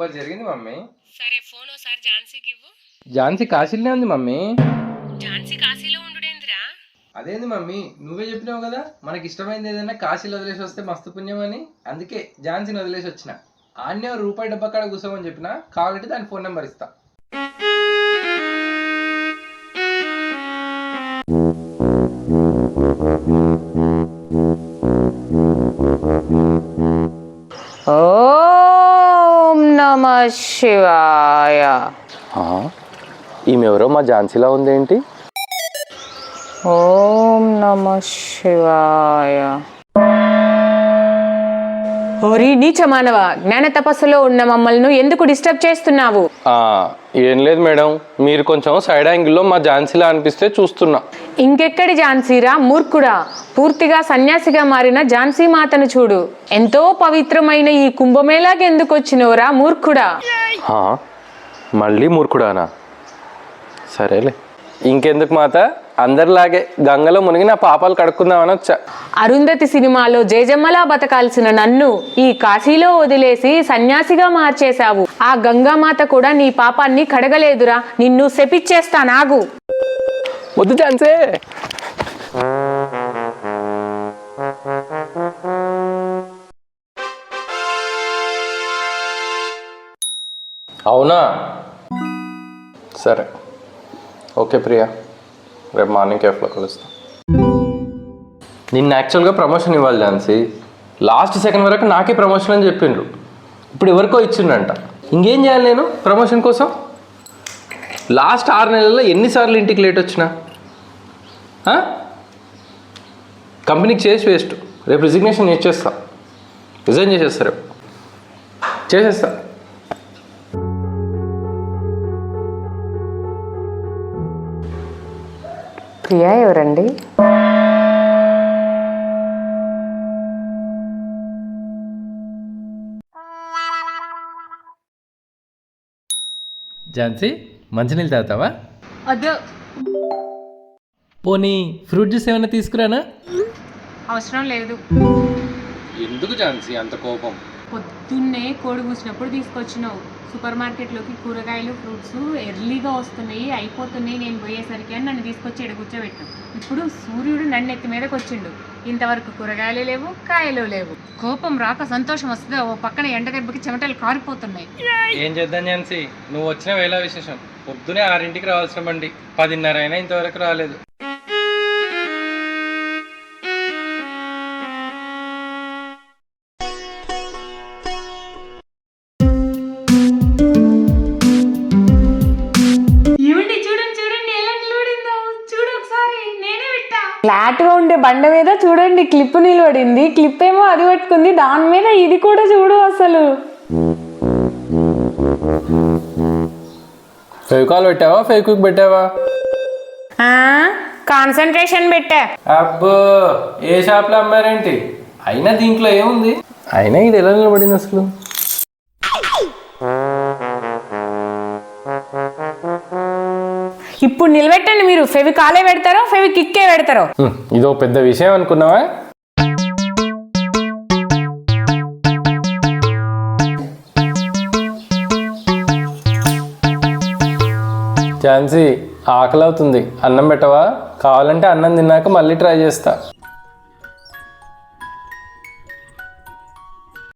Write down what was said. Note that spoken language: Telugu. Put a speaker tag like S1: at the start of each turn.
S1: సూపర్ జరిగింది మమ్మీ.
S2: సరే ఫోన్ ఒకసారి ఝాన్సీకి ఇవ్వు.
S1: ఝాన్సీ కాశీలోనే ఉంది మమ్మీ.
S2: ఝాన్సీ కాశీలో ఉండుడేంద్రా?
S1: అదేంది మమ్మీ, నువ్వే చెప్పినావు కదా మనకి ఇష్టమైంది ఏదైనా కాశీలో వదిలేసి వస్తే మస్తు పుణ్యం అని. అందుకే ఝాన్సీని వదిలేసి వచ్చిన. ఆన్నే రూపాయి డబ్బా కాడ కూర్చోమని చెప్పిన, కావాలంటే దాని ఫోన్ నెంబర్ ఇస్తా.
S2: ఓం నమః శివాయ.
S1: ఈమె ఎవరో మా ఝాన్సీలా ఉందేంటి?
S2: ఓం నమః శివాయ. ఓరి నీచ మానవ, జ్ఞాన తపస్సులో ఉన్న మమ్మల్ని ఎందుకు డిస్టర్బ్ చేస్తున్నావు?
S1: ఏం లేదు మేడం, మీరు కొంచెం సైడ్ యాంగిల్లో మా ఝాన్సీలా అనిపిస్తే చూస్తున్నా.
S2: ఇంకెక్కడి ఝాన్సీరా మూర్ఖుడా, పూర్తిగా సన్యాసిగా మారిన ఝాన్సీ మాతను చూడు. ఎంతో పవిత్రమైన ఈ కుంభమేళాకి ఎందుకు వచ్చినవరా మూర్ఖుడా?
S1: మళ్ళీ మూర్ఖుడానా? సరేలే, ఇంకెందుకు మాత, అందరిలాగే గంగలో మునిగి నా పాపాలు కడుక్కుందామని వచ్చా.
S2: అరుంధతి సినిమాలో జయజమ్మలా బతకాల్సిన నన్ను ఈ కాశీలో వదిలేసి సన్యాసిగా మార్చేశావు. ఆ గంగామాత కూడా నీ పాపాన్ని కడగలేదురా, నిన్ను శపిచ్చేస్తానాగు.
S1: వద్దు ఝాన్సీ. అవునా? సరే ఓకే ప్రియా, రేపు మార్నింగ్ కేఫ్లో కలుస్తాం. నిన్న యాక్చువల్గా ప్రమోషన్ ఇవ్వాలి ఝాన్సీ. లాస్ట్ సెకండ్ వరకు నాకే ప్రమోషన్ అని చెప్పిండ్రు. ఇప్పుడు ఎవరికో ఇచ్చిండ్రంట. ఇంకేం చేయాలి నేను ప్రమోషన్ కోసం? లాస్ట్ 6 నెలల్లో ఎన్నిసార్లు ఇంటికి లేట్ వచ్చినా? కంపెనీకి చేసి వేస్ట్. రేపు రిజిగ్నేషన్ చేసేస్తా, రిజైన్ చేసేస్తా, రేపు చేసేస్తా.
S2: ప్రియా ఎవరండి?
S3: ఝాన్సీ, మంచినీళ్ళు తాగుతావా?
S2: వద్దు.
S3: పోనీ ఫ్రూట్ జ్యూస్ ఏమైనా తీసుకురానా?
S2: అవసరం లేదు.
S1: ఎందుకు ఝాన్సీ అంత కోపం?
S2: పొద్దున్నే కోడి కూసినప్పుడు తీసుకొచ్చినావు. సూపర్ మార్కెట్లోకి కూరగాయలు ఫ్రూట్స్ ఎర్లీగా వస్తున్నాయి, అయిపోతున్నాయి నేను పోయేసరికి అని నన్ను తీసుకొచ్చి ఎడ కూర్చోబెట్టాం. ఇప్పుడు సూర్యుడు నన్ను ఎత్తి మీదకి వచ్చిండు. ఇంతవరకు కూరగాయలు లేవు, కాయలు లేవు. కోపం రాక సంతోషం వస్తుంది. ఓ పక్కన ఎండ దెబ్బకి చెమటలు కారిపోతున్నాయి.
S1: ఏం చేద్దాం ఝాన్సీ, నువ్వు వచ్చిన వేళ విశేషం. పొద్దునే 6ంటికి రావాల్సిన బండి 10:30 అయినా ఇంతవరకు రాలేదు.
S2: ఫ్లాట్ గా ఉండే బండ మీద చూడండి క్లిప్ నిలబడింది. క్లిప్ ఏమో అది పట్టుకుంది, దాని మీద ఇది కూడా చూడు. అసలు
S1: ఫెవికాల్ పెట్టావా, ఫెవిక్విక్ పెట్టావా?
S2: కాన్సన్ట్రేషన్ పెట్టా.
S1: అబ్బో, ఏ షాప్లో అమ్మారేంటి? అయినా దీంట్లో ఏముంది? అయినా ఇది ఎలా నిలబడింది అసలు?
S2: ఇప్పుడు నిలబెట్టండి. మీరు ఫెవికాలే పెడతారో ఫెవికిక్కే పెడతారో?
S1: ఇదో పెద్ద విషయం అనుకున్నావా? ఝాన్సీ, ఆకలి అవుతుంది, అన్నం పెట్టవా? కావాలంటే అన్నం తిన్నాక మళ్ళీ ట్రై చేస్తా.